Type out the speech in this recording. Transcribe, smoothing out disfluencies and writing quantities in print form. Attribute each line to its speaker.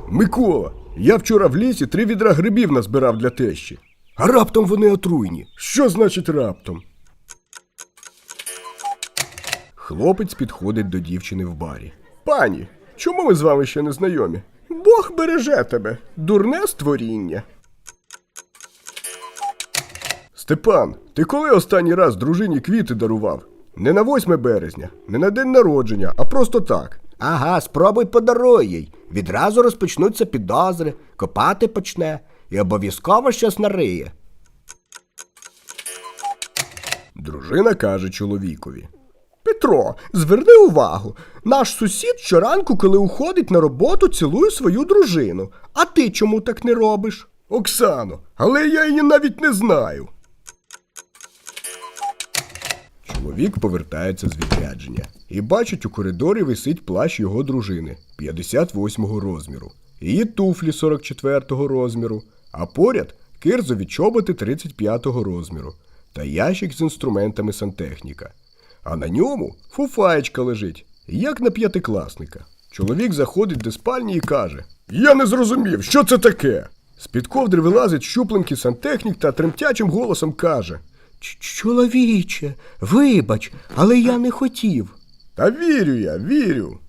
Speaker 1: Микола, я вчора в лісі 3 відра грибів назбирав для тещі. А раптом вони отруйні. Що значить раптом? Хлопець підходить до дівчини в барі. Пані, чому ми з вами ще не знайомі? Бог береже тебе, дурне створіння. Степан, ти коли останній раз дружині квіти дарував? Не на 8 березня, не на день народження, а просто так.
Speaker 2: Ага, спробуй подаруй їй. Відразу розпочнуться підозри, копати почне і обов'язково щось нариє.
Speaker 1: Дружина каже чоловікові. Петро, зверни увагу, наш сусід щоранку, коли уходить на роботу, цілує свою дружину. А ти чому так не робиш? Оксано, але я її навіть не знаю. Чоловік повертається з відрядження і бачить, у коридорі висить плащ його дружини 58-го розміру, її туфлі 44-го розміру, а поряд кирзові чоботи 35-го розміру та ящик з інструментами сантехніка. А на ньому фуфаєчка лежить, як на 5-класника. Чоловік заходить до спальні і каже: «Я не зрозумів, що це таке?» З-під ковдри вилазить щупленький сантехнік та тремтячим голосом каже:
Speaker 2: Чоловіче, вибач, але я не хотів.
Speaker 1: Та вірю я, вірю.